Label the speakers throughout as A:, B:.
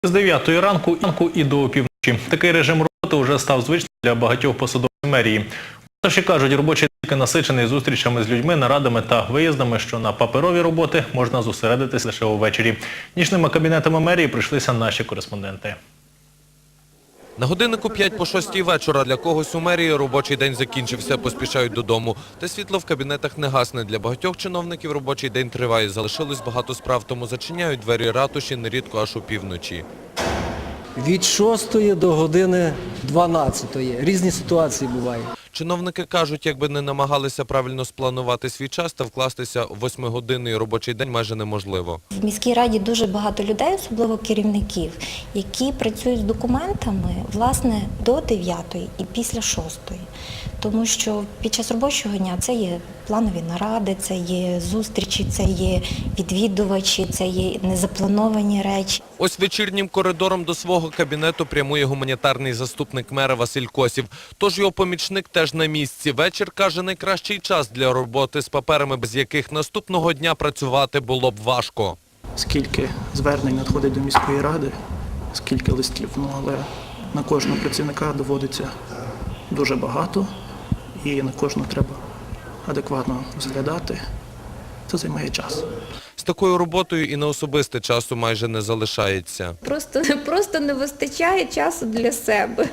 A: З 9 ранку і до опівночі. Такий режим роботи вже став звичним для багатьох посадовців мерії. Тож кажуть, робочий день насичений зустрічами з людьми, нарадами та виїздами, що на паперові роботи можна зосередитись лише увечері. Нічними кабінетами мерії прийшлися наші кореспонденти.
B: На годиннику 5 по 6 вечора для когось у мерії робочий день закінчився, поспішають додому. Та світло в кабінетах не гасне. Для багатьох чиновників робочий день триває. Залишилось багато справ, тому зачиняють двері ратуші нерідко аж опівночі.
C: Від 6 до години 12. Різні ситуації бувають.
B: Чиновники кажуть, якби не намагалися правильно спланувати свій час та вкластися в 8-годинний робочий день майже неможливо.
D: В міській раді дуже багато людей, особливо керівників, які працюють з документами, власне, до 9 і після 6. Тому що під час робочого дня це є планові наради, це є зустрічі, це є відвідувачі, це є незаплановані речі.
B: Ось вечірнім коридором до свого кабінету прямує гуманітарний заступник мера Василь Косів. Тож його помічник теж на місці. Вечір, каже, найкращий час для роботи з паперами, без яких наступного дня працювати було б важко.
E: Скільки звернень надходить до міської ради, скільки листів, але на кожного працівника доводиться дуже багато і на кожного треба адекватно розглядати. Це займає час.
B: З такою роботою і на особисте часу майже не залишається.
F: Просто не вистачає часу для себе.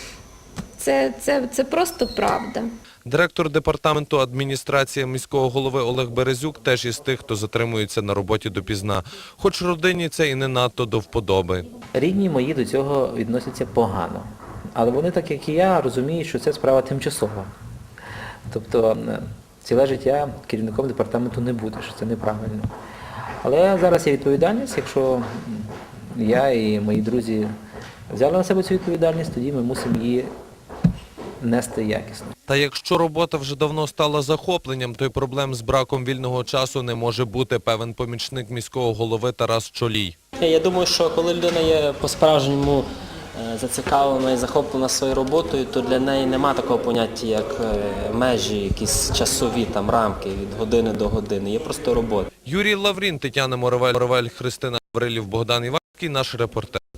F: Це просто правда.
B: Директор департаменту адміністрації міського голови Олег Березюк теж із тих, хто затримується на роботі допізна. Хоч родині це і не надто до вподоби.
G: Рідні мої до цього відносяться погано. Але вони, так як і я, розуміють, що це справа тимчасова. Тобто ціле життя керівником департаменту не будеш, це неправильно. Але зараз є відповідальність, якщо я і мої друзі взяли на себе цю відповідальність, тоді ми мусимо її нести якісно.
B: Та якщо робота вже давно стала захопленням, то й проблем з браком вільного часу не може бути, певен помічник міського голови Тарас Чолій.
H: Я думаю, що коли людина є по-справжньому зацікавлена і захоплена своєю роботою, то для неї нема такого поняття, як межі, якісь часові там рамки від години до години. Є просто робота.
B: Юрій Лаврін, Тетяна Моровель, Христина Гаврилів, Богдан Іванський, наш репортер.